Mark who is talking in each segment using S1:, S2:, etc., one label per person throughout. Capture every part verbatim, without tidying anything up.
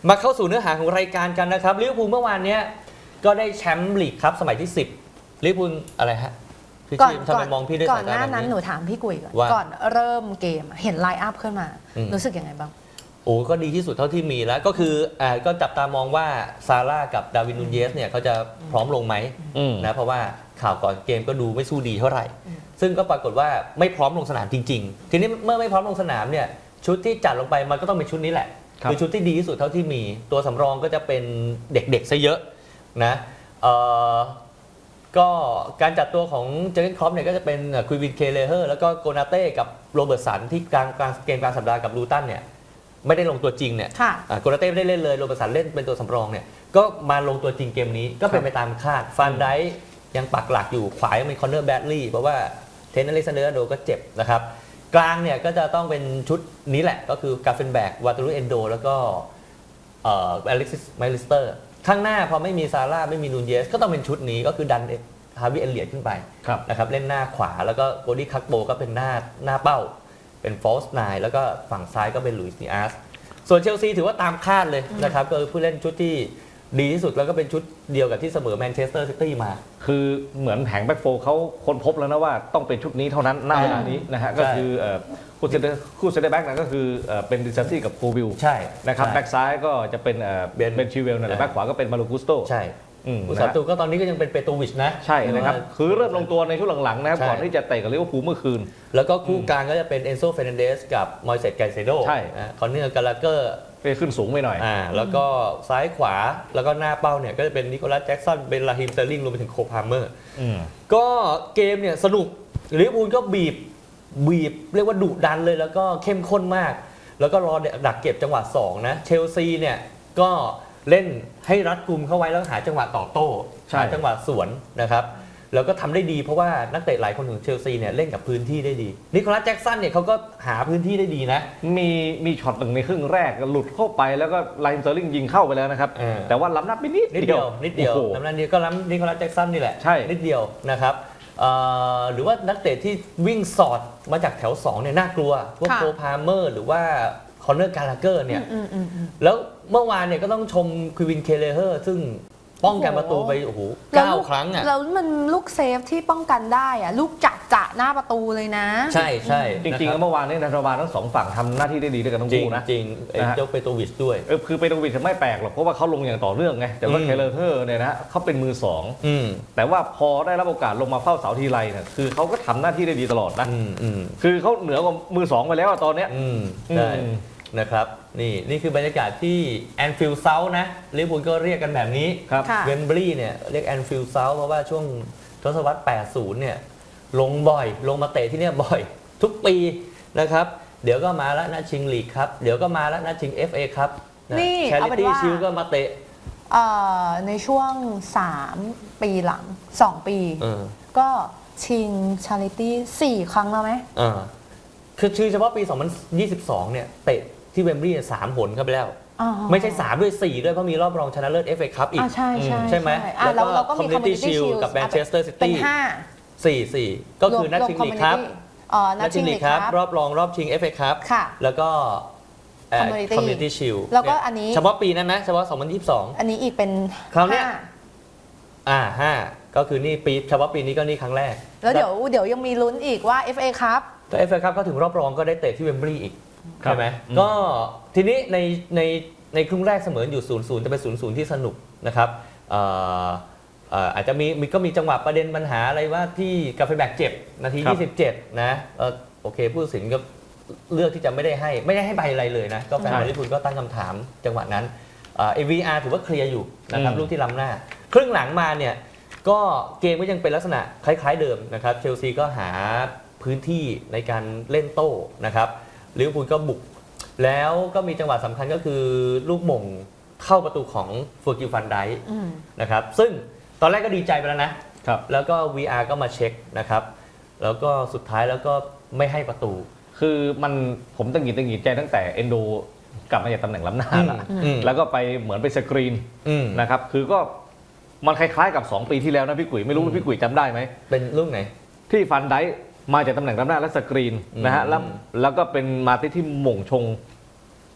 S1: มาเข้าสู่เนื้อหาของรายการกันนะครับลิเวอร์พูลเมื่อวานนี้ก็ได้แชมป์ลีกครับสมัยที่สิบลิเวอร์พูลอะไรฮะ
S2: ก่อน
S1: ทำไมมองพี่ด้วย
S2: ก่อ
S1: สาน ย
S2: ห
S1: ตา
S2: น้า
S1: แบบ
S2: นั้น
S1: นี้
S2: หนูถามพี่กุยก่อน
S1: ว่า
S2: ก่อนเริ่มเกมเห็นไลน์อัพขึ้นมา
S1: อืม
S2: รู้สึกยังไงบ้าง
S1: โอ้ก็ดีที่สุดเท่าที่มีแล้วก็คืออ่าก็จับตามองว่าซาร่ากับดาร์วินนูเยสเนี่ยเขาจะพร้อมลงไหม
S3: อืม
S1: นะเพราะว่าข่าวก่อนเกมก็ดูไม่สู้ดีเท่าไหร่
S2: อืม
S1: ซึ่งก็ปรากฏว่าไม่พร้อมลงสนามจริง ๆ ทีนี้เมื่อไม่พร้อมลงสนามเนี่ยชุดที่จัดลงไปมันก็ต้องเป็นชุดนี้แหละ
S3: ครับ
S1: คือชุดที่ดีที่สุดเท่าที่มีตัวสำรองก็จะเป็นเด็กๆซะเยอะนะเอ่อก็การจัดตัวของเจอร์เกนคล็อปเนี่ยก็จะเป็นคุยวินเคเลเฮอร์แล้วก็โกนาเต้กับโรเบิร์ตสันที่กลางกลางเกมกลางสัปดาห์กับลูตันเนี่ยไม่ได้ลงตัวจริงเนี่ย
S2: ค่ะ
S1: อ่าโกนาเต้ไม่ได้เล่นเลยโรเบิร์ตสันเล่นเป็นตัวสำรองเนี่ยก็มาลงตัวจริงเกมนี้ก็เป็นไปตามคาดฟันไดค์ยังปักหลักอยู่ขวายังเป็นคอนเนอร์แบดลีย์เพราะว่าเทนนิสอเล็กซานเดอร์โดก็เจ็บนะครับกลางเนี่ยก็จะต้องเป็นชุดนี้แหละก็คือกาเฟนแบกวาตูรุเอนโดแล้วก็เอ่ออเล็กซิสไมลิสเตอร์ข้างหน้าพอไม่มีซาร่าไม่มีนูนเยสก็ต้องเป็นชุดนี้ก็คือดันฮาวิเอเลียตขึ้นไป
S3: ครับ
S1: นะครับเล่นหน้าขวาแล้วก็โกดี้คักโบก็เป็นหน้าหน้าเป้าเป็นฟอสไนแล้วก็ฝั่งซ้ายก็เป็นลุยส์นีอาสส่วนเชลซีถือว่าตามคาดเลยนะครับก็คือผู้เล่นชุดที่ดีที่สุดแล้วก็เป็นชุดเดียวกับที่เสมอแมนเชสเตอร์ซิตี้มา
S3: คือเหมือนแผงแบ็คโฟร์เขาค้นพบแล้วนะว่าต้องเป็นชุดนี้เท่านั้นณเวลานี้นะฮะ
S1: ใช่
S3: ก็คือเอ่อคู่เซนเตอร์คู่เซนเตอร์แบ็กนะก็คือเอ่อเป็นดิซาซี่กับโควิล
S1: ใช่
S3: นะครับ
S1: ใช่
S3: แบ็กซ้ายก็จะเป็นเอ่อ
S1: เบน
S3: เบนชิเวลนั่นแหละ
S1: ใช่
S3: แบ็กขวาก็เป็นมารูกุสโต
S1: ใช่
S3: อืม
S1: ผู้
S3: นะ
S1: สา
S3: ฮะ
S1: ตูก็ตอนนี้ก็ยังเป็นเปโตวิชนะ
S3: ใช่นะครับ
S1: ว่า
S3: คือเริ่มลงตัวในช่วงหลังๆนะครับ
S1: ใช่
S3: ก่อนที่จะเตะกับลิเวอร์พูลเมื่อคืน
S1: แล้วก็คู่กลางก็จะเป็นเอนโซเฟรนันเดสกับมอยเซตไกเซโด
S3: ใช่
S1: คอนเนอร์กาลาเกอร์
S3: ไปขึ้นสูงไปหน่อย
S1: อ่าแล้วก็ซ้ายขวาแล้วก็หน้าเป้าเนี่ยก็จะเป็นนิโคลัสแจ็กสันเป็นลาฮิมสเตอร์ลิงรวมไปถึงโคพาร์เมอร์
S3: อืม
S1: ก็เกมเนี่ยสนุกลิเวอร์พูลก็บีบบีบเรียกว่าดุดันเลยแล้วก็เข้มข้นมาก แล้วก็รอดักเก็บจังหวะสองนะเชลซีเนี่ยก็เล่นให้รัดกุมเข้าไว้แล้วหาจังหวะต่อโต้
S3: ใช่
S1: หาจังหวะสวนนะครับแล้วก็ทำได้ดีเพราะว่านักเตะหลายคนของเชลซีเนี่ยเล่นกับพื้นที่ได้ดีนิโคลัสแจ็กสันเนี่ยเขาก็หาพื้นที่ได้ดีนะ
S3: มีมีช็อตหนึ่งในครึ่งแรกหลุดเข้าไปแล้วก็ไลน์เซอร์ลิงยิงเข้าไปแล้วนะครับ
S1: เออ
S3: แต่ว่าล้ำนับไปนิด
S1: นิดเดียวนิดเดียว
S3: โอ้โห
S1: น้ำนั้นนี้ก็ล้ำนิโคลัสแจ็กสันนี่แหละ
S3: ใช่
S1: นิดเดียวนะครับเอ่อหรือว่านักเตะที่วิ่งสอดมาจากแถวสองเนี่ยน่ากลัวพวก
S2: ค่ะ
S1: โคพาร์เมอร์หรือว่าคอนเนอร์กาลาเกอร์เนี่ย
S2: อืมอืมอืม
S1: แล้วเมื่อวานเนี่ยก็ต้องชมควินเคเลเฮอร์ซึ่งป้องกันประตูไปโอ้โหเก้าครั้งอ่ะ
S2: แล้วมันลูกเซฟที่ป้องกันได้อะลูกจัดจะหน้าประตูเลยนะ
S1: ใช่ใช่
S3: จริงๆ
S1: นะค
S3: แล้
S1: บ
S3: วเมื่อวานนี้นักบาลทั้งสองฝั่งทำหน้าที่ได้ดีด้วยกันทั้ง
S1: จริง
S3: คู่นะ
S1: จริงไอ้
S3: นะฮะ
S1: เจ้าเปโตวิชด้วย
S3: เออคือเปโตวิชไม่แปลกหรอกเพราะว่าเขาลงอย่างต่อเนื่องไงแต่ว่า
S1: อืม
S3: เคเลอร์เทอร์เนี่ยนะเขาเป็นมือสอง
S1: อืม
S3: แต่ว่าพอได้รับโอกาสลงมาเฝ้าเสาทีไรเนี่ยคือเขาก็ทำหน้าที่ได้ดีตลอดนะ
S1: อืมอืม
S3: คือเขาเหนือกว่ามือสองไปแล้วอะตอนเนี้ย
S1: อืมใช่
S3: อืม
S1: นะครับนี่นี่คือบรรยากาศที่แอนฟิลด์เซาท์นะลิเวอร์พูลก็เรียกกันแบบนี้
S3: ครับ
S2: ค่ะ
S1: เวมบลีย์เนี่ยเรียกแอนฟิลด์เซาท์เพราะว่าช่วงทศวรรษ แปดสิบ เนี่ยลงบ่อย ลงมาเตะที่เนี่ยบ่อย ทุกปีนะครับ เดี๋ยวก็มาแล้วนะชิงลีกครับ เดี๋ยวก็มาแล้วนะชิง เอฟ เอ ครับ
S2: นี่
S1: แช
S2: เอา
S1: ริ
S2: เป็น
S1: ตี้
S2: ว่า
S1: ชิลก็มาเตะ
S2: เอ่อในช่วง สาม ปีหลัง สอง ปี
S1: เออ
S2: ก็ชิงชาริตี้สี่ครั้งแล้วไหม
S1: เออคือชื่อเฉพาะปี สองพันยี่สิบสอง เนี่ยเตะที่เวมบลีย์สามหนเข้าไปแล้ว
S2: อ๋อ
S1: ไม่ใช่สามด้วยสี่ด้วยเพราะมีรอบรองชนะเลิศ เอฟ เอ คัพอีก
S2: อ่าใช่ใช่
S1: ใช่ไหม
S2: อ่ะ
S1: แล้วก็
S2: เราก็มี
S1: Community
S2: Community
S1: Shield
S2: Shield
S1: กับ Manchester
S2: เป็น
S1: City
S2: ห้า
S1: สี่ สี่ก็คือนัด
S2: รวม
S1: ชิง
S2: รวม
S1: ลีกครับ
S2: Community อ๋อนั
S1: นั
S2: ด
S1: ด
S2: ชิ
S1: ชิ
S2: ง
S1: ง
S2: ลี
S1: ลี
S2: ก
S1: ก
S2: ค
S1: ค
S2: รั
S1: รับ บรอบรองรอบชิง เอฟ เอ ครับ
S2: ค่ะ
S1: แล้วก็เอ่อ
S2: Community
S1: Community Shield
S2: แล้วก็
S1: เนี่ย
S2: อันนี้
S1: เฉพาะปีนั้นนะเฉพาะสองพันยี่สิบสอง
S2: อันนี้อีกเป็น
S1: คราวเนี้ย
S2: ห้
S1: อ่าห้าก็คือนี่ปีเฉพาะปีนี้ก็นี่ครั้งแรก
S2: แล้วเดี๋ยวเดี๋ยวยังมีลุ้นอีกว่า เอฟ เอ ครับ
S1: แต่ เอฟ เอ ครับก็ถึงรอบรองก็ได้เตะที่เวมบลีย์อีก
S3: ครับ
S1: ใช่ไหม
S3: อืม
S1: ก็ทีนี้ในในในครึ่งแรกเสมออยู่ศูนย์ศูนย์จะเป็นศูนย์ศูนย์ที่สนุกนะครับเอ่อเอ่ออาจจะมีมีก็มีจังหวะประเด็นปัญหาอะไรว่าที่กาเฟแบกเจ็บนาที
S3: ครับ
S1: ยี่สิบเจ็ดนะเออโอเคผู้ตัดสินก็เลือกที่จะไม่ได้ให้ไม่ได้ให้ใบอะไรเลยนะก็แฟน
S3: ใช่
S1: ลิเวอร์พูลก็ตั้งคำถามจังหวะนั้นเอ่อ วี อาร์ ถือว่าเคลียร์อยู่นะครับ
S3: อืม
S1: ลูกที่ล้ำหน้า ครึ่งหลังมาเนี่ยก็เกมก็ยังเป็นลักษณะคล้ายๆเดิมนะครับเชลซีก็หาพื้นที่ในการเล่นโต้นะครับลิเวอร์พูลก็บุก แล้วก็มีจังหวะสำคัญก็คือลูกหม่งเข้าประตูของเฟอร์กิลฟันไดค์
S2: อืม
S1: นะครับซึ่งตอนแรกก็ดีใจไปแล้วนะ
S3: ครับ
S1: แล้วก็ วี อาร์ ก็มาเช็คนะครับแล้วก็สุดท้ายแล้วก็ไม่ให้ประตู
S3: คือมันผมตั้งหงิดตั้งหงิดใจตั้งแต่เอนโดกลับมาจากตำแหน่งล้ำหน้าละ
S1: อืม
S3: แล้วก็ไปเหมือนไปสกรีน
S1: อืม
S3: นะครับ คือก็มันคล้ายๆกับ สอง ปีที่แล้วนะพี่กุ๋ยไม่รู้
S1: อืม
S3: ว่าพี่กุ๋ยจำได้ไหม
S1: เป็นลูกไหน
S3: ที่ฟันไดค์มาจากตำแหน่งล้ำหน้าและสกรีน
S1: อืม
S3: นะฮะแล้วแล้วก็เป็นมาติที่หม่งชง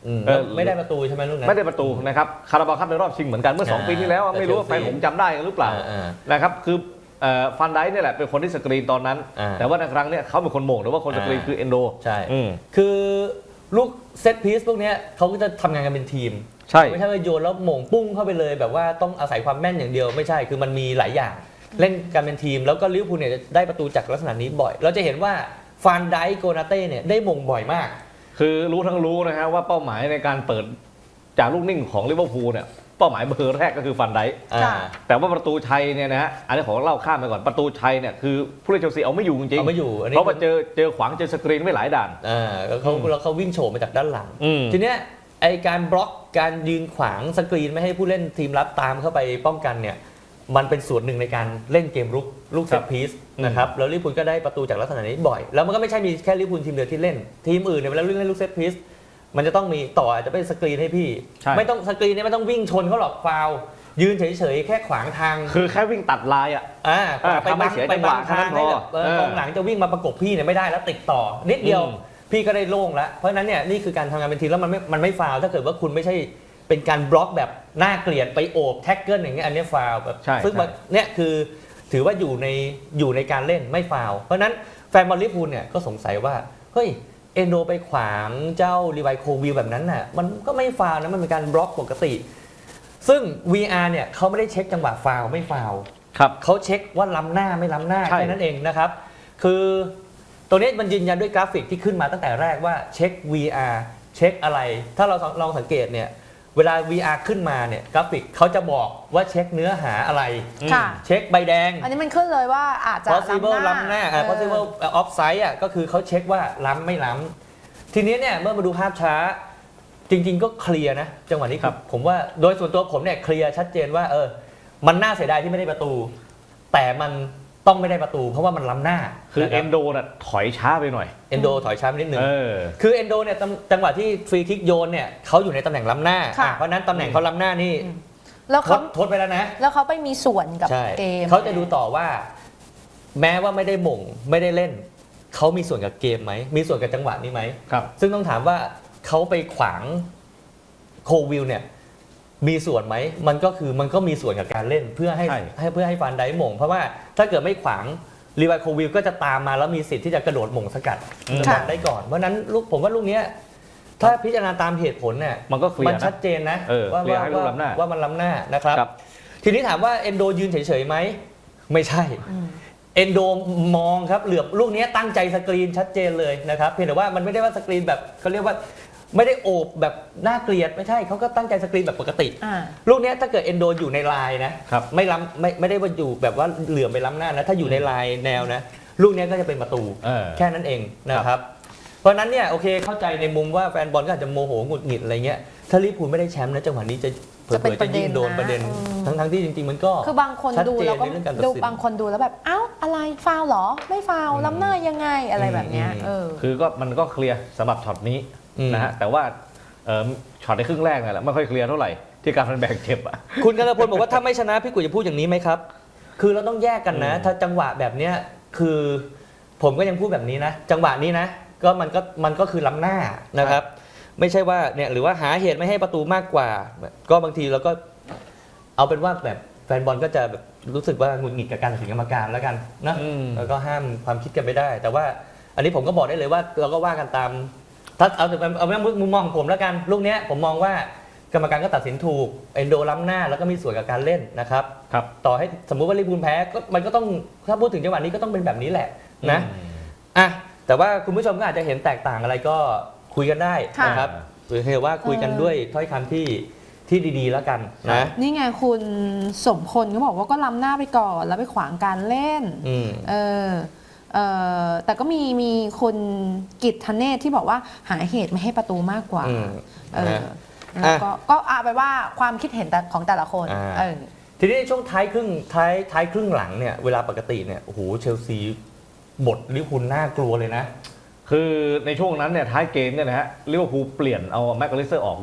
S1: อืม
S3: เออ
S1: ไม่ได้ประตูใช่ไหมลูกนั้น
S3: ไม่ได้ประตูนะครับคาราบาวคัพในรอบชิงเหมือนกันเมื่อสอง
S1: อ่า
S3: ปีที่แล้ว
S1: แต่
S3: ไม่รู้ว่า
S1: เชลซี
S3: แฟนผมจำได้กันหรือเปล่า
S1: อ่า
S3: นะครับคือเอ่อฟันไดค์เนี่ยแหละเป็นคนที่สกรีนตอนนั้น
S1: อ่า
S3: แต่ว่าในครั้งเนี้ยเขาเป็นคนโหม่งหรือว่าคนสกรีน
S1: อ่า
S3: คือเอนโด
S1: ใช่
S3: อืม
S1: คือลูกเซตพีซพวกเนี้ยเขาก็จะทำงานกันเป็นทีม
S3: ใช่
S1: ไม่ใช่ว่าโยนแล้วหม่งปุ้งเข้าไปเลยแบบว่าต้องอาศัยความแม่นอย่างเดียวไม่ใช่คือมันมีหลายอย่างเล่นกันเป็นทีม แล้วก็ลิเวอร์พูลเนี่ยจะได้ประตูจากลักษณะนี้บ่อย เราจะเห็นว่าฟานไดค์โกนาเต้เนี่ยได้หม่งบ่อยมาก
S3: คือรู้ทั้งรู้นะฮะว่าเป้าหมายในการเปิดจากลูกนิ่งของลิเวอร์พูลเนี่ยเป้าหมายเบอร์แรกก็คือฟันไดค์
S2: ค่ะ
S3: แต่ว่าประตูชัยเนี่ยนะฮะอันนี้ขอเล่าข้ามไปก่อนประตูชัยเนี่ยคือผู้เล่นเชลซีเอาไม่อยู่จริง
S1: เอาไม่อยู่อันนี้
S3: เพราะว่าเจอเจอขวางเจอสกรีนไว้หลายด่าน
S1: อ่าแล้วเขาแล้วเขาวิ่งโฉบมาจากด้านหลัง
S3: อืม
S1: ทีเนี้ยไอการบล็อกการยืนขวางสกรีนไม่ให้ผู้เล่นทีมรับตามเข้าไปป้องกันเนี่ยมันเป็นส่วนหนึ่งในการเล่นเกมรุกลูกเซตพีซนะครับแล้วลิเวอร์พูลก็ได้ประตูจากลักษณะนี้บ่อย แล้วมันก็ไม่ใช่มีแค่ลิเวอร์พูลทีมเดียวที่เล่น ทีมอื่นเนี่ยเวลาเล่นลูกเซตพีซมันจะต้องมีต่ออาจจะเป็นสกรีนให้พี่
S3: ใช่
S1: ไม่ต้องสกรีนเนี่ยไม่ต้องวิ่งชนเขาหรอกฟาวล์ยืนเฉยๆแค่ขวางทาง
S3: คือแค่วิ่งตัดลายอ่ะ
S1: อ่า
S3: อ่า
S1: ไป
S3: ทำให้
S1: บัง
S3: เสีย
S1: ไป
S3: จังห
S1: บั
S3: วะ
S1: งทาง
S3: เท่านั้น
S1: ให้
S3: พอ
S1: แบบเออ
S3: เออก
S1: องหลังจะวิ่งมาประกบพี่เนี่ยไม่ได้แล้วติดต่อ นิดเดียว
S3: อืม
S1: พี่ก็ได้โล่งแล้ว เพราะฉะนั้นเนี่ยนี่คือการทำงานเป็นทีมแล้วมันไม่มันไม่ฟาวล์ถ้าเกิดว่าคุณไม่ใช่เป็นการบล็อกแบบน่าเกลียดไปโอบแท็กเกิลอย่างเงี้ยอันเนี้ยฟาวล์แบบ
S3: ใช่
S1: ซึ่ง
S3: ใช่
S1: มันเนี่ยคือถือว่าอยู่ในอยู่ในการเล่นไม่ฟาวล์เพราะฉะนั้นแฟนบอลลิเวอร์พูลเนี่ยก็สงสัยว่าเฮ้ยเอนโดไปขวางเจ้ารีไวโควิลแบบนั้นน่ะมันก็ไม่ฟาวล์นะมันเป็นการบล็อกปกติ ซึ่ง วี อาร์ เนี่ยเขาไม่ได้เช็คจังหวะฟาวล์ไม่ฟาวล์
S3: ครับ
S1: เขาเช็คว่าล้ำหน้าไม่ล้ำหน้า
S3: ใช่
S1: แค่นั้นเองนะครับ คือตัวนี้มันยืนยันด้วยกราฟิกที่ขึ้นมาตั้งแต่แรกว่าเช็ค วี อาร์ เช็คอะไร ถ้าเราลองสังเกตเนี่ยเวลา วี อาร์ ขึ้นมาเนี่ยกราฟิกเขาจะบอกว่าเช็คเนื้อหาอะไร
S2: ค่ะ
S1: เช็คใบแดง
S2: อันนี้มันขึ้นเลยว่าอาจจะ
S1: possible ล้ำหน้าอ่า
S2: เออ
S1: possible offside อ่ะก็คือเขาเช็คว่าล้ำไม่ล้ำทีนี้เนี่ยเมื่อมาดูภาพช้า จริง ๆ ก็เคลียร์นะจังหวะนี้
S3: ครับ
S1: ผมว่าโดยส่วนตัวผมเนี่ยเคลียร์ชัดเจนว่าเออมันน่าเสียดายที่ไม่ได้ประตู แต่มันต้องไม่ได้ประตู เพราะว่ามันล้ำหน้า
S3: คือ
S1: นะ
S3: เอ
S1: รับ
S3: นโดน่ะถอยช้าไปหน่อย
S1: เอนโดถอยช้าไปนิดนึง
S3: เออ
S1: คือเอนโดเนี่ยตำจังหวะที่ฟรีคิกโยนเนี่ยเขาอยู่ในตำแหน่งล้ำหน้า
S2: ค่ะ
S1: อ่ะเพราะฉะนั้นตำแหน่งเขาล้ำหน้านี่
S2: แล้ว
S1: ท
S2: เขา
S1: ดทดไปแล้วนะ
S2: แล้วเขาไปมีส่วนกับ
S1: ใช่
S2: เกม
S1: เขาจะดูต่อว่า แม้ว่าไม่ได้หม่งไม่ได้เล่น เขามีส่วนกับเกมไหม มีส่วนกับจังหวะนี้ไหม
S3: ครับ
S1: ซึ่งต้องถามว่าเขาไปขวางโควิลเนี่ยมีส่วนไหม มันก็คือมันก็มีส่วนกับการเล่นเพื่อให้
S3: ใช่
S1: ให้เพื่อให้ฟันไดหม่ง เพราะว่าถ้าเกิดไม่ขวางรีไวโควิลก็จะตามมาแล้วมีสิทธิ์ที่จะกระโดดหม่งสกัด
S3: อืม
S1: บอลได้ก่อน เพราะฉะนั้นลูกผมว่าลูกเนี้ยถ้าพิจารณาตามเหตุผลเนี่ย
S3: มันก็เคลียร์
S1: มัน
S3: นะ
S1: ชัดเจนนะ
S3: เออ
S1: ว่า
S3: เคลียร์
S1: ว่า
S3: ให้ลูกล้ำหน้า
S1: ว่ามันล้ำหน้านะครับ
S3: ครับ
S1: ทีนี้ถามว่าเอนโดยืนเฉยๆไหมไม่ใช่
S2: อืม
S1: เอนโดมองครับเหลือบลูกนี้ตั้งใจสกรีนชัดเจนเลยนะครับเพียงแต่ว่ามันไม่ได้ว่าสกรีนแบบเขาเรียกว่าไม่ได้โอบแบบน่าเกลียดไม่ใช่เขาก็ตั้งใจสกรีนแบบปกติ
S2: อ่า
S1: ลูกนี้ถ้าเกิดเอนโดอยู่ในลายนะครับ ไม่ล้ำไม่ไม่ได้ว่าอยู่แบบว่าเหลื่อมไปล้ำหน้านะถ้าอยู่ในลายแนวนะลูกนี้ก็จะเป็นประตู
S3: เออ
S1: แค่นั้นเองนะครับ เพราะฉะนั้นเนี่ยโอเคเข้าใจในมุมว่าแฟนบอลก็อาจจะโมโหหงุดหงิดอะไรเงี้ยถ้าลิเวอร์พูลไม่ได้แชมป์นะจังหวะนี้จะเผล
S2: จะเป็น
S1: อๆจะยิ่งโดน
S2: ป
S1: ประ ระ
S2: เด็
S1: เด็
S2: น
S1: น
S2: นะ
S1: ทั้งทั้งๆที่จริงๆมันก็
S2: คือบางคน
S1: ชัด
S2: ดู
S1: เจน
S2: แล้วก็
S1: ในเรื่องการตัด
S2: ดู
S1: สิน
S2: บางคนดูแล้วแบบเอ้าอะไรฟาวล์เหรอ ไม่ฟาวล์
S1: อืม
S2: ล้ำหน้ายังไงอะไรแบบเนี้ย
S1: อืม
S2: เออ
S3: คือก็มันก็เคลียร์สำหรับช็อตนี้
S1: อืม
S3: นะฮะแต่ว่าเอ่อช็อตในครึ่งแรกเนี่ยแหละไม่ค่อยเคลียร์เท่าไหร่ที่การมันแบ่งเจ็บอ่ะ
S1: คุณกันพลบอกว่าถ้าไม่ชนะพี่กุยจะพูดอย่างนี้ไหมครับ คือเราต้องแยกกันนะ
S3: อืม
S1: ถ้าจังหวะแบบเนี้ยคือ ผมก็ยังพูดแบบนี้นะ จังหวะนี้นะ ก็มันก็มันก็คือล้ำหน้านะครับ ไม่ใช่ว่าเนี่ยหรือว่าหาเหตุไม่ให้ประตูมากกว่า ก็บางทีเราก็เอาเป็นว่าแบบแฟนบอลก็จะแบบรู้สึกว่าหงุดหงิดกับการตัดสินกรรมการแล้วกันนะ
S3: อืม
S1: แล้วก็ห้ามความคิดกันไม่ได้ แต่ว่าอันนี้ผมก็บอกได้เลยว่าเราก็ว่ากันตามถ้าเอาเอาเอามุมมองของผมแล้วกันลูกเนี้ยผมมองว่ากรรมการก็ตัดสินถูกเอนโดล้ำหน้าแล้วก็มีส่วนกับการเล่นนะครับ
S3: ครับ
S1: ต่อให้สมมุติว่าลิเวอร์พูลแพ้ก็มันก็ต้องถ้าพูดถึงจังหวะนี้ก็ต้องเป็นแบบนี้แหละนะ
S3: อืม
S1: อ่ะแต่ว่าคุณผู้ชมก็อาจจะเห็นแตกต่างอะไรก็คุยกันได้
S2: ค่ะ
S1: นะครับหรือเรียกว่าคุยกันด้วยถ้อยคำที่ที่ดีๆแล้วกันนะ
S2: นี่ไงคุณสมพลเขาบอกว่าก็ล้ำหน้าไปก่อนแล้วไปขวางการเล่น
S1: อืม
S2: เออเออแต่ก็มีมีคุณกิตธเนศที่บอกว่าหาเหตุไม่ให้ประตูมากกว่า
S1: อืม
S2: เออ
S1: นะ
S2: แล้วก็ก็เอาไปว่าความคิดเห็นแต่ของแต่ละคน
S1: อ่า
S2: เออ
S1: ทีนี้ในช่วงท้ายครึ่งท้ายท้ายครึ่งหลังเนี่ยเวลาปกติเนี่ยโอ้โหเชลซีบทลิเวอร์พูลน่ากลัวเลยนะ
S3: คือในช่วงนั้นเนี่ยท้ายเกมเนี่ยนะฮะลิเวอร์พูลเปลี่ยนเอาแม็กกาลิสเตอร์ออกด้วย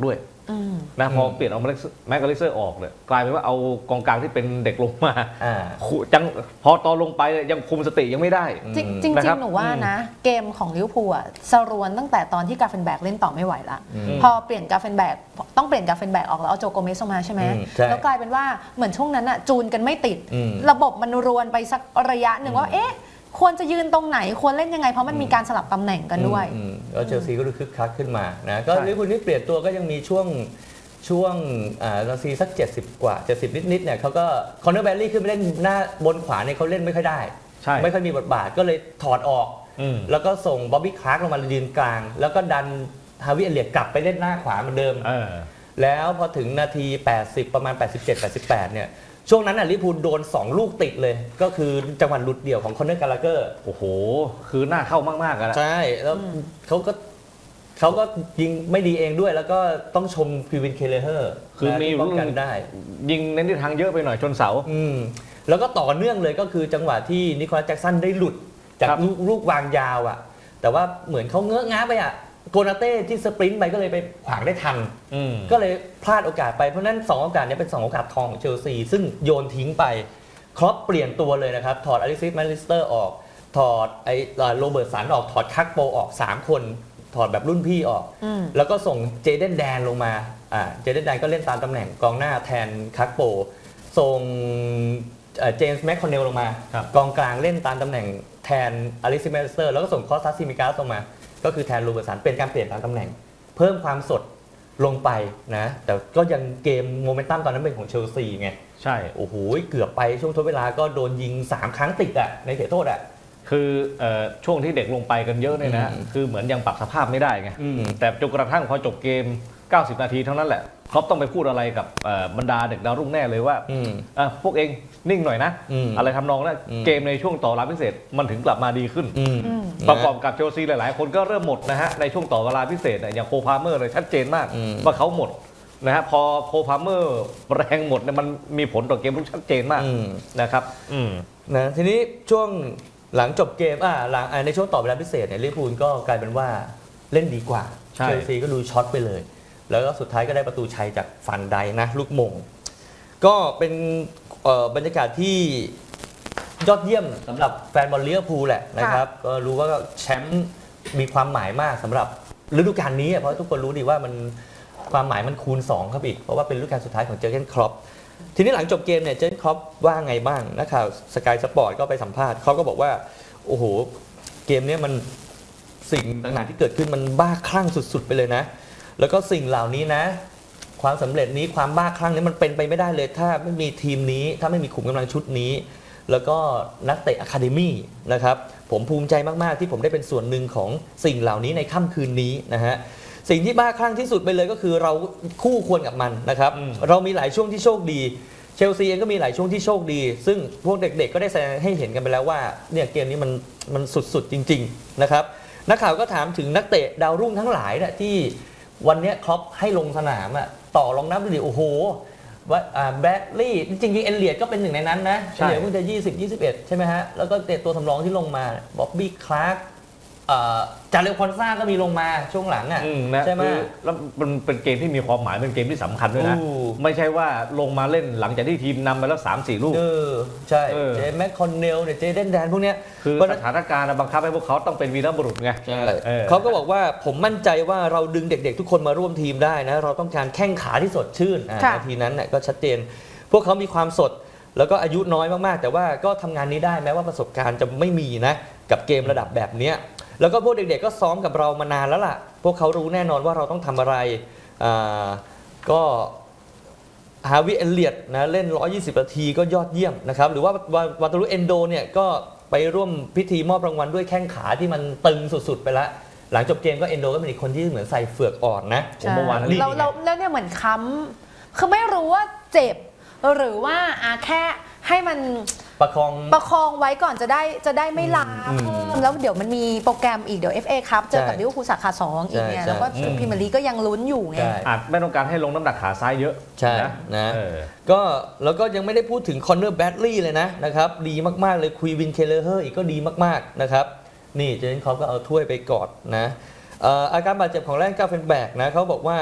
S2: อืม
S3: นะพอเปลี่ยนเอาแม็กกาลิเซอร์ออกเนี่ยกลายเป็นว่าเอากองกลางที่เป็นเด็กลงมา
S1: อ่า
S3: ขู่จังพอตอนลงไปเนี่ยยังคุมสติยังไม่ได้
S2: จริงจริง
S3: นะครับ
S2: หนูว่านะ เกมของลิเวอร์พูลอะสรวนตั้งแต่ตอนที่กาเฟนแบกเล่นต่อไม่ไหวละ
S1: อืม
S2: พอเปลี่ยนกาเฟนแบกต้องเปลี่ยนกาเฟนแบกออกแล้วเอาโจโกเมสมาใช่ไหม
S1: อืมใช่
S2: แล้วกลายเป็นว่าเหมือนช่วงนั้นอะจูนกันไม่ติด
S1: อืม
S2: ระบบมันรวนไปสักระยะหนึ่งว่าเอ๊ะควรจะยืนตรงไหนควรเล่นยังไงเพราะมันมีการสลับตำแหน่งกันด้วย
S1: อืมแล้วเชลซีก็ดูคึกคักขึ้นมานะก็
S3: ใช่
S1: ลิเวอร์พูลที่เปลี่ยนตัวก็ยังมีช่วงช่วงอ่านาทีสักเจ็ดสิบกว่าเจ็ดสิบนิดๆเนี่ยเขาก็คอนเนอร์แบลลี่ขึ้นไปเล่นหน้าบนขวาเนี่ยเขาเล่นไม่ค่อยได้
S3: ใช่
S1: ไม่ค่อยมีบทบาทก็เลยถอดออก
S3: อืม
S1: แล้วก็ส่งบ๊อบบี้คลาร์กลงมายืนกลาง แล้วก็ดันฮาวิเอเลียตกลับไปเล่นหน้าขวาเหมือนเดิม
S3: เออ
S1: แล้วพอถึงนาที แปดสิบ ประมาณ แปดสิบเจ็ด แปดสิบแปด เนี่ย ช่วงนั้นน่ะลิเวอร์พูลโดน สอง ลูกติดเลย ก็คือจังหวะหลุดเดี่ยวของคอนเนอร์กาลาเกอร์
S3: โอ้โห คือหน้าเข้ามากๆอะนะ
S1: ใช่ แล้วเขาก็เขาก็ยิงไม่ดีเองด้วย แล้วก็ต้องชมคิวินเคเลเฮอร์
S3: คือมี
S1: ป้องกันได้
S3: ยิงในทิศทางเยอะไปหน่อยชนเสา
S1: อืมแล้วก็ต่อเนื่องเลยก็คือจังหวะที่นิโคลัสแจ็คสันได้หลุดจาก
S3: ครับ
S1: ลูกลูกวางยาวอ่ะ แต่ว่าเหมือนเขาเงอะง้าไปอ่ะโกนาเต้ที่สปรินต์ไปก็เลยไปขวางได้ทัน
S3: อืม
S1: ก็เลยพลาดโอกาสไปเพราะฉะนั้นสองโอกาสนี้เป็นสองโอกาสทองของเชลซีซึ่งโยนทิ้งไปครอปเปลี่ยนตัวเลยนะครับ ถอดอลิซิสแมนลิสเตอร์ออก ถอดไอ้โรเบิร์ตสันออกถอดคักโปออกสามคน ถอดแบบรุ่นพี่ออก
S2: อืม
S1: แล้วก็ส่งเจเดนแดนลงมาอ่าเจเดนแดนก็เล่นตามตำแหน่งกองหน้าแทนคักโป ส่งเจมส์แมคคอนเนลลงมา
S3: ครับ
S1: กองกลางเล่นตามตำแหน่งแทนอลิซิสแมนลิสเตอร์แล้วก็ส่งคอสตัสซิมิกาสลงมา ก็คือแทนโรเบิร์ตสันเป็นการเปลี่ยนตามตำแหน่ง เพิ่มความสดลงไปนะ แต่ก็ยังเกมโมเมนตัมตอนนั้นเป็นของเชลซีไง
S3: ใช่
S1: โอ้โหเกือบไปช่วงทดเวลาก็โดนยิง สาม ครั้งติดอะในเขตโทษอะ
S3: คือเอ่อช่วงที่เด็กลงไปกันเยอะเนี่ยนะ
S1: อืม
S3: คือเหมือนยังปรับสภาพไม่ได้ไง
S1: อืม
S3: แต่จนกระทั่งพอจบเกม เก้าสิบ นาทีเท่านั้นแหละครอปต้องไปพูดอะไรกับเอ่อบรรดาเด็กดาวรุ่งแน่เลยว่า
S1: อืม
S3: อ่ะพวกเองนิ่งหน่อยนะ
S1: อืม
S3: อะไรทำนองนั้น
S1: อืม
S3: เกมในช่วงต่อเวลาพิเศษมันถึงกลับมาดีขึ้น
S1: อืม
S2: อืม
S3: ประกอบกับเชลซีหลายๆ คนก็เริ่มหมดนะฮะในช่วงต่อเวลาพิเศษเนี่ยอย่างโคพาเมอร์เลยชัดเจนมาก
S1: อืม
S3: ว่าเขาหมดนะฮะพอโคพาเมอร์แรงหมดเนี่ยมันมีผลต่อเกมลุกชัดเจนมาก
S1: อืม
S3: นะครับอืม
S1: นะทีนี้ช่วงหลังจบเกมอ่าหลังอ่าในช่วงต่อเวลาพิเศษเนี่ยลิเวอร์พูลก็กลายเป็นว่าเล่นดีกว่า
S3: ใช่
S1: เชลซีก็ดูช็อตไปเลย แล้วก็สุดท้ายก็ได้ประตูชัยจากฟันไดนะลูกมง ก็เป็นเอ่อบรรยากาศที่ยอดเยี่ยมสำหรับแฟนบอลลิเวอร์พูลแหละนะครับก็รู้ว่าแชมป์มีความหมายมากสำหรับฤดูกาลนี้อ่ะเพราะทุกคนรู้ดีว่ามันความหมายมันคูณสองครับอีกเพราะว่าเป็นฤดูกาลสุดท้ายของเจอร์เกนคล็อป ทีนี้หลังจบเกมเนี่ยเจนครอปว่าไงบ้างนักข่าวสกายสปอร์ตก็ไปสัมภาษณ์เขาก็บอกว่า โอ้โห เกมเนี้ยมันสิ่งต่างๆที่เกิดขึ้นมันบ้าคลั่งสุดๆไปเลยนะ แล้วก็สิ่งเหล่านี้นะ ความสำเร็จนี้ความบ้าคลั่งนี้มันเป็นไปไม่ได้เลย ถ้าไม่มีทีมนี้ถ้าไม่มีขุมกำลังชุดนี้ แล้วก็นักเตะอะคาเดมี่นะครับผมภูมิใจมากๆที่ผมได้เป็นส่วนหนึ่งของสิ่งเหล่านี้ในค่ำคืนนี้นะฮะสิ่งที่บ้าคลั่งที่สุดไปเลยก็คือเราคู่ควรกับมันนะครับ
S3: อืม
S1: เรามีหลายช่วงที่โชคดีเชลซีเองก็มีหลายช่วงที่โชคดี ซึ่งพวกเด็กๆก็ได้แสดงให้เห็นกันไปแล้วว่าเนี่ยเกมนี้มันมันสุดๆจริงๆนะครับนักข่าวก็ถามถึงนักเตะดาวรุ่งทั้งหลายเนี่ยที่วันเนี้ยคล็อปให้ลงสนามอะต่อรองนับดูดิโอ้โหว่าอ่าแบดลี่จริงๆเอเลียดก็เป็นหนึ่งในนั้นนะ
S3: ใช่
S1: เอเลียดเพิ่งจะยี่สิบ ยี่สิบเอ็ดใช่ไหมฮะแล้วก็เตะตัวสำรองที่ลงมาบ๊อบบี้คลาร์กจาเรลคอนซ่าก็มีลงมาช่วงหลังอ่ะ
S3: อืมนะ
S1: ใช่ไหม
S3: คือแล้วมันเป็นเกมที่มีความหมายเป็นเกมที่สำคัญด้วยนะ
S1: อู้
S3: ไม่ใช่ว่าลงมาเล่นหลังจากที่ทีมนำไปแล้ว สามสี่ ลูก
S1: เออใช่
S3: เออ
S1: เจแม็กคอนเนลเนี่ยเจเดนแดนพวกเนี้ย
S3: คือ
S1: เพราะ
S3: ส
S1: ฉะนั้น
S3: ถานการณ์บังคับให้พวกเขาต้องเป็นวีรบุรุษไง
S1: ใช่
S3: เออ
S1: เขาก็บอกว่าผมมั่นใจว่าเราดึงเด็กๆ ทุกคนมาร่วมทีมได้นะ เราต้องการแข้งขาที่สดชื่นอ่ะ
S2: ค่ะ
S1: นาทีนั้นน่ะก็ชัดเจน พวกเขามีความสด แล้วก็อายุน้อยมากๆ แต่ว่าก็ทำงานนี้ได้แม้ว่าประสบการณ์จะไม่มีนะกับเกมระดับแบบเนี้ยแล้วก็พวกเด็กๆก็ซ้อมกับเรามานานแล้วล่ะ พวกเขารู้แน่นอนว่าเราต้องทำอะไรอ่าก็ฮาวิเอเลียตนะเล่นหนึ่งร้อยยี่สิบนาทีก็ยอดเยี่ยมนะครับหรือว่าวาวาตารุเอนโดเนี่ยก็ไปร่วมพิธีมอบรางวัลด้วยแข้งขาที่มันตึงสุดๆไปแล้วหลังจบเกมก็เอนโดก็เป็นอีกคนที่เหมือนใส่เฟือกอ่อนนะ
S3: ผมเมื่อวาน
S2: ใช่
S3: นี่
S2: เราเราแล้วเนี่ยเหมือนค้ำคือไม่รู้ว่าเจ็บ หรือว่าอาแค่ให้มัน
S1: ประคอง
S2: ประคองไว้ก่อนจะได้จะได้ไม่ล้า
S1: อืม
S2: เพิ่มแล้วเดี๋ยวมันมีโปรแกรมอีกเดี๋ยว เอฟ เอ ครับเจอกับ
S1: ใช่
S2: ลิเวอร์พูลสาขาสองอีกเนี่ย
S1: ใช่
S2: แล้วก็
S1: ใช่
S2: พรีเมียร์ลีกก็ยังลุ้นอยู่ไง
S1: ใช่
S3: อาจไม่ต้องการให้ลงน้ำหนักขาซ้ายเยอะ
S1: ใช่
S3: นะ
S1: นะ
S3: เออ
S1: ก็แล้วก็ยังไม่ได้พูดถึงคอนเนอร์แบดลี่เลยนะนะครับดีมากๆเลยคุยวินเคเลเฮอร์อีกก็ดีมากๆนะครับนี่เจนคอปก็เอาถ้วยไปกอดนะเอ่ออาการบาดเจ็บของแรนก้าเฟนแบกนะเขาบอกว่า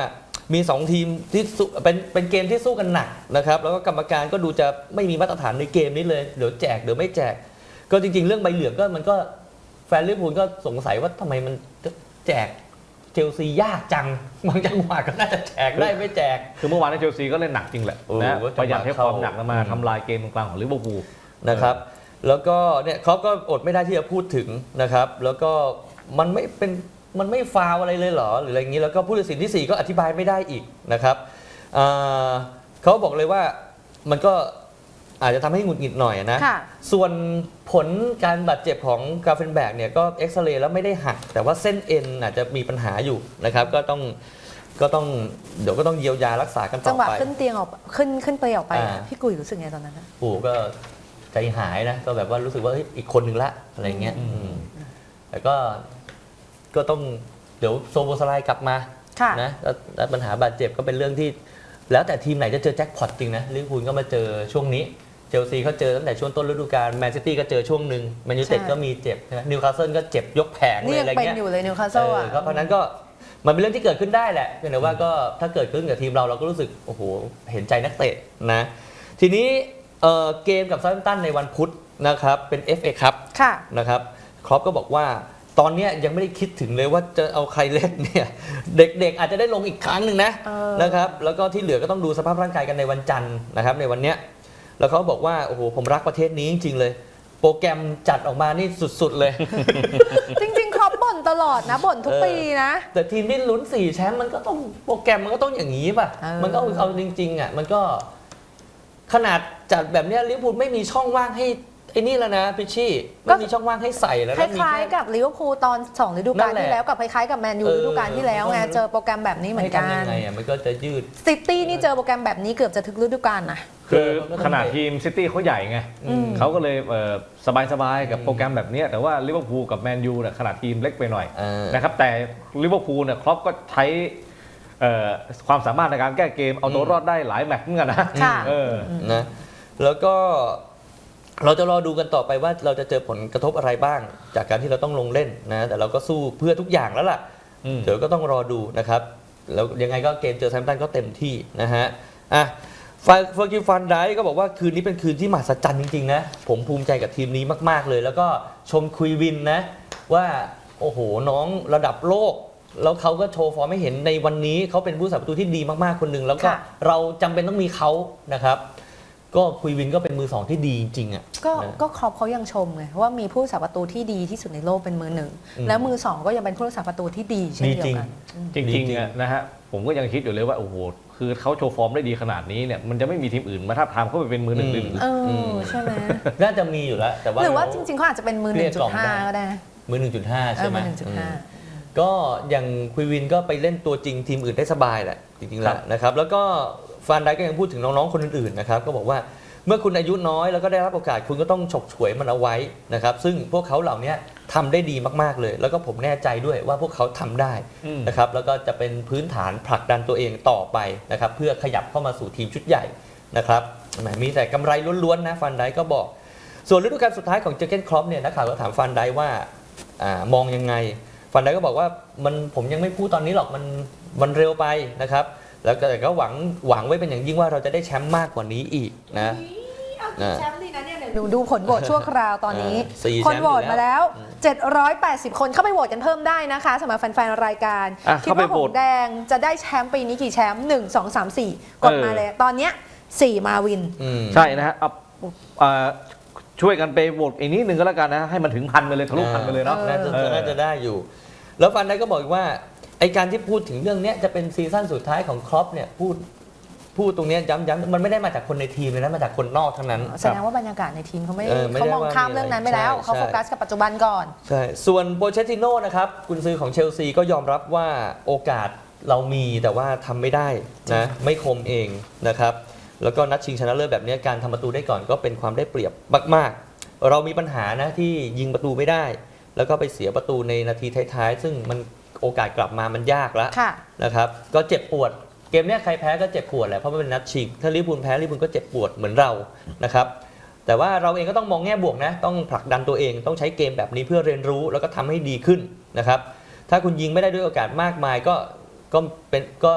S1: มีสองทีมที่สู้เป็นเป็นเกมที่สู้กันหนักนะครับแล้วก็กรรมการก็ดูจะไม่มีมาตรฐานในเกมนี้เลยเดี๋ยวแจกเดี๋ยวไม่แจกก็จริงๆเรื่องใบเหลืองก็มันก็แฟนลิเวอร์พูลก็สงสัยว่าทำไมมันแจกเชลซียากจังบางจังหวะก็น่าจะแจกได้ไม่แจก
S3: คือเมื่อวานในเชลซีก็เล่นหนักจริงแหละ
S1: เออ
S3: นะ
S1: ว่าจะ
S3: พยายามใช้ความหนักมา
S1: อืม
S3: ทำลายเกมตรงกลางของลิเวอร์พูล
S1: นะครับแล้วก็เนี่ยเขาก็อดไม่ได้ที่จะพูดถึงนะครับแล้วก็มันไม่เป็นมันไม่ฟาวอะไรเลยเหรอหรืออะไรอย่างนี้แล้วก็ผู้ตัดสินที่สี่ก็อธิบายไม่ได้อีกนะครับอ่าเขาบอกเลยว่ามันก็อาจจะทำให้หงุดหงิดหน่อยนะ
S2: ค่ะ
S1: ส่วนผลการบาดเจ็บของกาเฟนแบกเนี่ยก็เอ็กซเรย์แล้วไม่ได้หักแต่ว่าเส้นเอ็นอาจจะมีปัญหาอยู่นะครับก็ต้องก็ต้องเดี๋ยวก็ต้องเยียวยารักษากันต่
S2: จั
S1: อง
S2: หวะ
S1: ไป
S2: ขึ้นเตียงออกขึ้นขึ้นเปลออกไปอะ
S1: อ่า
S2: พี่กุยรู้สึกไงตอนนั้นอะ
S1: โอ้โหก็ใจหายนะก็แบบว่ารู้สึกว่าเฮ้ยอีกคนหนึ่งละอะไรเงี้ย
S3: อืม
S1: อืมแต่ก็ก็ต้องเดี๋ยวโซโบสไลด์กลับมา
S2: ค่ะ
S1: นะแล้วแล้วปัญหาบาดเจ็บก็เป็นเรื่องที่ แล้วแต่ทีมไหนจะเจอแจ็คพอตจริงนะลิเวอร์พูลก็มาเจอช่วงนี้เชลซีเขาเจอตั้งแต่ช่วงต้นฤดูกาลแมนซิตี้ก็เจอช่วงหนึ่งแมนยูไนเต็ด
S2: ใช่
S1: ก็มีเจ็บนะนิวคาสเซิลก็เจ็บยกแผงเล
S2: นี่
S1: ย
S2: ยั
S1: อะไร
S2: งเป็น
S1: เงี้ย
S2: อยู่เลยนิวคาส
S1: เอ
S2: เซิล
S1: อ
S2: อะ
S1: ก็เพราะนั้นก็มันเป็นเรื่องที่เกิดขึ้นได้แหละเพียงแต่ว่าก็ถ้าเกิดขึ้นกับทีมเราเราก็รู้สึกโอ้โหเห็นใจนักเตะนะทีนี้เอ่อเกมกับซาร์แฮมป์ตันในวันพุธนะครับเป็น เอฟ เอ Cup
S2: ค่ะ
S1: นะครับครอปก็บอกว่าตอนเนี้ยยังไม่ได้คิดถึงเลยว่าจะเอาใครเล่นเนี่ยเด็กๆอาจจะได้ลงอีกครั้งหนึ่งนะ
S2: เออ
S1: นะครับแล้วก็ที่เหลือก็ต้องดูสภาพร่างกายกันในวันจันทร์นะครับในวันเนี้ยแล้วเขาบอกว่าโอ้โหผมรักประเทศนี้จริงๆเลย โปรแกรมจัดออกมานี่สุดๆเลย
S2: จริงๆครอปบ่นตลอดนะบ่นทุก
S1: เออ
S2: ปีนะ
S1: แต่ทีมที่ลุ้นสี่แชมป์มันก็ต้องโปรแกรมมันก็ต้องอย่างนี้ป่ะ
S2: เออ
S1: มันก็เอาจริงๆอ่ะมันก็ขนาดจัดแบบเนี้ยลิเวอร์พูลไม่มีช่องว่างให้ไอ้นี่แล้วนะพิชชี่ไม่มีช่องว่างให้ใส่แล้ว
S2: ค
S1: นะมี
S2: ล้าย
S1: แค่
S2: ๆกับลิเวอร์พูลตอนสองฤดูกาล
S1: นั่นแหละ
S2: ที่แล้วกับคล้ายๆกับแมนยู
S1: เออ
S2: ฤดูกาลที่แล้วไง
S1: ต้อง
S2: เจอโปรแกรมแบบนี้เหมือนกั
S1: ให้ทำยั
S2: น
S1: งไงอ่ะมันก็จะยืด
S2: ซิตี้นี่เจอโปรแกรมแบบนี้เกือบจะถึงฤดูกาลนะ
S3: คือขนาดทีมซิตี้เขาใหญ่ไง
S2: อืม
S3: เขาก็เลยเอ่อสบายๆกับ
S1: อืม
S3: โปรแกรมแบบเนี้ยแต่ว่าลิเวอร์พูลกับแมนยูเนี่ยขนาดทีมเล็กไปหน่อย
S1: เออ
S3: นะครับแต่ลิเวอร์พูลเนี่ยครอปก็ใช้เอ่อความสามารถในการแก้เกมเอาตัวรอดได้หลายแมตช์เหมือนกันนะ
S2: ค่ะ
S3: เออ
S1: นะแล้วก็เราจะรอดูกันต่อไปว่าเราจะเจอผลกระทบอะไรบ้าง จากการที่เราต้องลงเล่นนะแต่เราก็สู้เพื่อทุกอย่างแล้วล่ะ
S3: อืม
S1: เดี๋ยวก็ต้องรอดูนะครับแล้วยังไงก็เกมเจอแซมป์ตันก็เต็มที่นะฮะอ่ะเฟอร์กิลฟันไดก็บอกว่าคืนนี้เป็นคืนที่มหัศจรรย์จริงๆนะผมภูมิใจกับทีมนี้มากๆเลย แล้วก็ชมคุยวินนะว่าโอ้โหน้องระดับโลก แล้วเขาก็โชว์ฟอร์มให้เห็นในวันนี้เขาเป็นผู้สาประตูที่ดีมากๆคนหนึ่งแล้วก็
S2: ค่ะ
S1: เราจำเป็นต้องมีเขานะครับ ก็คุยวินก็เป็นมือสองที่ดีจริงๆอ่ะ
S2: ก็
S1: นะ
S2: ก็ครอปเขายังชมไงว่ามีผู้รักษาประตูที่ดีที่สุดในโลกเป็นมือหนึ่ง
S1: อืม
S2: แล้วมือสองก็ยังเป็นผู้รักษาประตูที่ดีเช่นเดียวกันอืม
S3: จริงๆอะนะฮะผมก็ยังคิดอยู่เลยว่าโอ้โหคือเขาโชว์ฟอร์มได้ดีขนาดนี้เนี่ยมันจะไม่มีทีมอื่นมาทับทามเขาไปเป็นมือหนึ่งหรือ
S2: เออใช่ไหม
S1: น่าจะมีอยู่แล้วแต่ว่า
S2: หรือว่าจริงๆเขาอาจจะเป็นมือ
S1: เกลี้ยกล่อมได้
S2: หนึ่งจุดห้าก็ได้นะ
S1: มือ หนึ่งจุดห้า
S2: เอ
S1: ใช่
S2: อ
S1: ไหม
S2: มือหนึ่งจุดห้า
S1: อืมก็อย่างคุยวินก็ไปเล่นตัวจริงทีมอื่นได้สบายแหละจริงๆแล้วนะครับแล้วก็ฟานไดก็ยังพูดถึงน้องๆคนอื่นๆนะครับก็บอกว่าเมื่อคุณอายุน้อยแล้วก็ได้รับโอกาสคุณก็ต้องฉกฉวยมันเอาไว้นะครับซึ่งพวกเขาเหล่านี้ทำได้ดีมากๆเลย แล้วก็ผมแน่ใจด้วยว่าพวกเขาทำได้
S3: อืม
S1: นะครับแล้วก็จะเป็นพื้นฐานผลักดันตัวเองต่อไปนะครับเพื่อขยับเข้ามาสู่ทีมชุดใหญ่นะครับแหมมีแต่กำไรล้วนๆนะฟันไดก็บอก ส่วนฤดูกาลสุดท้ายของเจอร์เกนคล็อปเนี่ยนักข่าวก็ถามฟันไดว่าอามองยังไงฟันไดก็บอกว่ามันผมยังไม่พูดตอนนี้หรอกมันมันเร็วไปนะครับแล้วก็แต่ก็หวังหวังไว้เป็นอย่างยิ่งว่าเราจะได้แชมป์มากกว่านี้อีกนะ
S2: แชมป์ดีนะเนี่ยดูดูผลโหวตชั่วคราวตอนนี้
S1: อ่าสี่
S2: คน
S1: แชมป์
S2: โหวต
S1: อยู่แล้ว
S2: มาแล้ว
S1: อืม
S2: เจ็ดร้อยแปดสิบคนเข้าไปโหวตกันเพิ่มได้นะคะสำหรับแฟนๆรายการ
S3: อ่ะ
S2: คิด
S3: เข้าไป
S2: ว่า
S3: โห
S2: ห
S3: ว
S2: ง
S3: ต
S2: แดงจะได้แชมป์ปีนี้กี่แชมป์หนึ่งสองสามสี่กด
S3: เออ
S2: มาเลย ตอนเนี้ยสี่มาวิน
S1: อืม
S3: ใช่นะฮะเอาเอ่อช่วยกันไปโหวตอีกนิดนึงก็แล้วกันนะให้มันถึงพันไปเลยทะลุพันไปเลยเนาะ
S2: เออ
S1: น่าจะ
S3: เออ
S1: น่าจะได้อยู่ แล้วฟันไดก็บอกอีกว่าไอการที่พูดถึงเรื่องเนี้ยจะเป็นซีซั่นสุดท้ายของคล็อปเนี่ยพูดพูดตรงเนี้ยย้ำๆมันไม่ได้มาจากคนในทีมเลยนะมาจากคนนอกทั้งนั้น
S2: แสดงว่าบรรยากาศในทีมเขาไม่
S1: เออไม่ได้
S2: เขามอง
S1: ว่า
S2: ข้าม
S1: มีอะไร
S2: เรื่องนั้นไปแล้ว
S1: ใช่
S2: เขา
S1: ใช่
S2: โฟกัสกับปัจจุบันก่อน
S1: ใช่ส่วนโปเชตติโน่นะครับกุนซือของเชลซีก็ยอมรับว่าโอกาสเรามีแต่ว่าทำไม่ได้นะไม่คมเองนะครับแล้วก็นัดชิงชนะเลิศแบบนี้การทำประตูได้ก่อนก็เป็นความได้เปรียบมากๆ เรามีปัญหานะที่ยิงประตูไม่ได้ แล้วก็ไปเสียประตูในนาทีท้ายๆ ซึ่งมันโอกาสกลับมามันยากแล้ว
S2: ค่ะ
S1: นะครับก็เจ็บปวดเกมเนี้ยใครแพ้ก็เจ็บปวดแหละเพราะมันเป็นนัดชิงถ้าลิเวอร์พูลแพ้ลิเวอร์พูลก็เจ็บปวดเหมือนเรานะครับแต่ว่าเราเองก็ต้องมองแง่บวกนะต้องผลักดันตัวเองต้องใช้เกมแบบนี้เพื่อเรียนรู้แล้วก็ทำให้ดีขึ้นนะครับถ้าคุณยิงไม่ได้ด้วยโอกาสมากมายก็ก็เป็นก็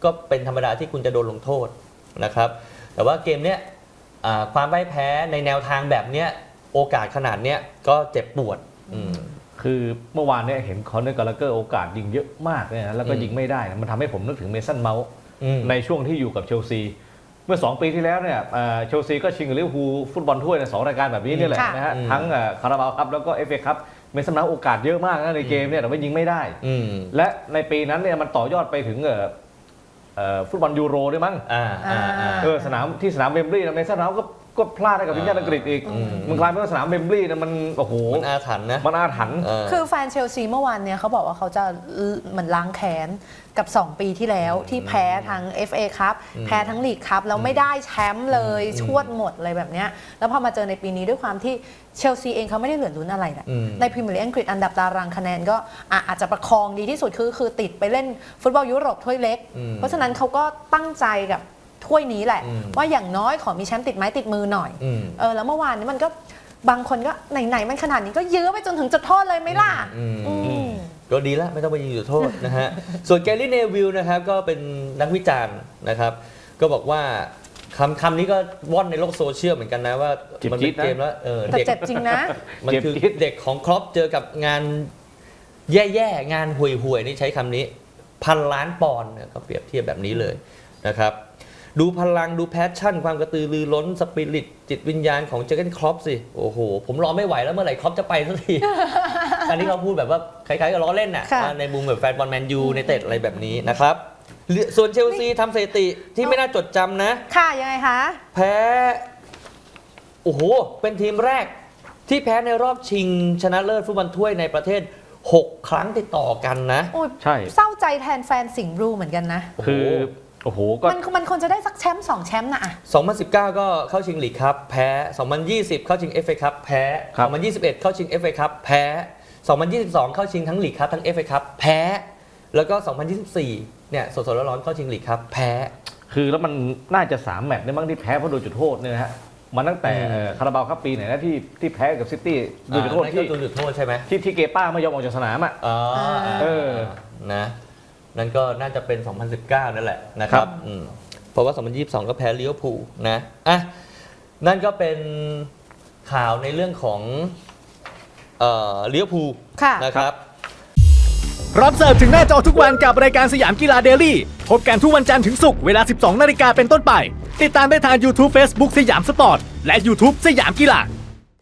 S1: ก็เป็นธรรมดาที่คุณจะโดนลงโทษนะครับแต่ว่าเกมเนี้ยอ่าความพ่ายแพ้ในแนวทางแบบเนี้ยโอกาสขนาดเนี้ยก็เจ็บปวดอืม
S3: คือเมื่อวานเนี่ยเห็นคอนเนอร์กาลาเกอร์โอกาสยิงเยอะมากเลยนะแล้วก็
S1: อืม
S3: ยิงไม่ได้นะมันทำให้ผมนึกถึงเมสันเมาส์
S1: อืม
S3: ในช่วงที่อยู่กับเชลซีเมื่อสองปีที่แล้วเนี่ยเอ่อเชลซีก็ชิงกับลิเวอร์พูลฟุตบอลถ้วยในสองรายการแบบนี้เนี่ยแหละ
S2: ค่ะ
S3: นะฮะ
S1: อืม
S3: ทั้งคาราบาวครับแล้วก็เอฟเอคัพเมสันเมาส์โอกาสเยอะมากนะในเกมเนี่ยแต่ว่ายิงไม่ได้
S1: อืม
S3: และในปีนั้นเนี่ยมันต่อยอดไปถึงเอ่อเอ่อฟุตบอลยูโรด้วยมั้ง
S1: อ่าอ่าอ่า
S3: เออสนามที่สนามเวมบลีย์นะเมสันเมาส์ก็ก็พลาดให้กับทีมชาติอังกฤษอีก
S1: อืม
S3: มันกลายเป็นว่าสนามเวมบลีย์นะมันโอ้โห
S1: มันอาถรรพ์นะ
S3: มันอาถรรพ์
S1: เออ
S2: คือแฟนเชลซีเมื่อวานเนี่ยเขาบอกว่าเขาจะเหมือนล้างแค้นกับ สอง ปีที่แล้วที่แพ้ทั้ง เอฟ เอ ครับแพ้ทั้งลีกครับแล้วไม่ได้แชมป์เลย
S1: อืม
S2: ชวดหมดเลยแบบเนี้ยแล้วพอมาเจอในปีนี้ด้วยความที่เชลซีเองเขาไม่ได้เหลือลุ้นอะไรแหละ
S1: อืม
S2: ในพรีเมียร์ลีกอังกฤษอันดับตารางคะแนนก็อ่ะอาจจะประคองดีที่สุดคือคือติดไปเล่นฟุตบอลยุโรปถ้วยเล็ก
S1: อืม
S2: เพราะฉะนั้นเขาก็ตั้งใจกับถ้วยนี้แหละ
S1: อืม
S2: ว่าอย่างน้อยขอมีแชมป์ติดไม้ติดมือหน่อย
S1: อืม
S2: เออแล้วเมื่อวานนี้มันก็บางคนก็ไหนๆมันขนาดนี้ก็ยื้อไปจนถึงจุดโทษเลยไหมล่ะ
S1: อืม
S2: อืม
S1: ก็ดีแล้วไม่ต้องไปยิงจุดโทษนะฮะ ส่วนแกรี่เนวิลนะครับก็เป็นนักวิจารณ์นะครับ ก็บอกว่าคำคำนี้ก็ว่อนในโลกโซเชียลเหมือนกันนะว่า
S3: เจ็บ
S1: มัน
S3: จี๊
S1: เป็น
S3: ดนะ
S1: เกมแล้วเออ
S2: แต่
S1: เด็ก
S2: เจ็บจริงนะ
S1: มันคือ
S3: เจ็บจี๊ด
S1: เด็กของครอปเจอกับงานแย่ๆงานห่วยๆนี่ใช้คำนี้พันล้านปอนด์เนี่ยเขาเปรียบเทียบแบบนี้เลยนะครับ ดูพลังดูแพชชั่น ความกระตือรือร้นสปิริตจิตวิญญาณของเจอร์เกนครอปสิ โอ้โห ผมรอไม่ไหวแล้วเมื่อไหร่ครอปจะไปสักที อันนี้เขาพูดแบบว่าคล้ายๆกับล้อเล่นน่ะ
S2: ค่ะ
S1: ในมุมแบบแฟนบอลแมนยูในเต็ดอะไรแบบนี้นะครับเหลือส่วนเชลซีทำสถิติที่ไม่น่าจดจำนะ
S2: ค่ะยังไงคะ
S1: แพ้ โอ้โห เป็นทีมแรกที่แพ้ในรอบชิงชนะเลิศฟุตบอลถ้วยในประเทศ หก ครั้งติดต่อกันนะ
S2: โอ้ย
S3: ใช่
S2: เศร้าใจแทนแฟนสิงห์บลูเหมือนกันนะ
S3: คือโอ้โหก็
S2: มันมันควรจะได้สักแชมป์สองแชมป์นะอะ
S1: สองพันสิบเก้า ก็เข้าชิงลีกครับแพ้ สองพันยี่สิบ เข้าชิง เอฟ เอ ครับแพ้
S3: ครับ
S1: สองพันยี่สิบเอ็ด เข้าชิง เอฟ เอ ครับแพ้ สองพันยี่สิบสอง เข้าชิงทั้งลีกครับทั้ง เอฟ เอ ครับแพ้ แล้วก็ สองพันยี่สิบสี่ เนี่ยสดๆร้อนๆเข้าชิงลีกครับแพ้
S3: คือแล้วมันน่าจะสามแมตช์ได้บ้างที่แพ้เพราะโดนจุดโทษเนี่ยนะฮะมันตั้งแต่
S1: อืม
S3: เอ่อคาราบาวครับปีไหนนะที่ที่แพ้กับซิตี้โดนจุดโทษ
S1: อ่านั่น
S3: ที่
S1: ก็โดนจุดโทษใช่ไหม
S3: ที่ที่เกป้าไม่ยอมออกจากสนามอ่ะ
S1: อ๋ออ่า
S3: เออ
S1: นะนั่นก็น่าจะเป็น สองพันสิบเก้า นั่นแหละนะค
S3: ครั
S1: รับบ อืมเพราะว่า สองพันยี่สิบสอง ก็แพ้ลิเวอร์พูลนะอ่ะนั่นก็เป็นข่าวในเรื่องของเอ่อลิเวอร์พูล
S2: ค่ะ
S1: นะครับ
S4: รับเสิร์ฟถึงหน้าจอทุกวันกับรายการสยามกีฬาเดลี่พบกันทุกวันจันทร์ถึงศุกร์เวลา สิบสองนาฬิกาเป็นต้นไป ติดตามได้ทาง YouTube Facebook สยามสปอร์ต และ YouTube สยามกีฬา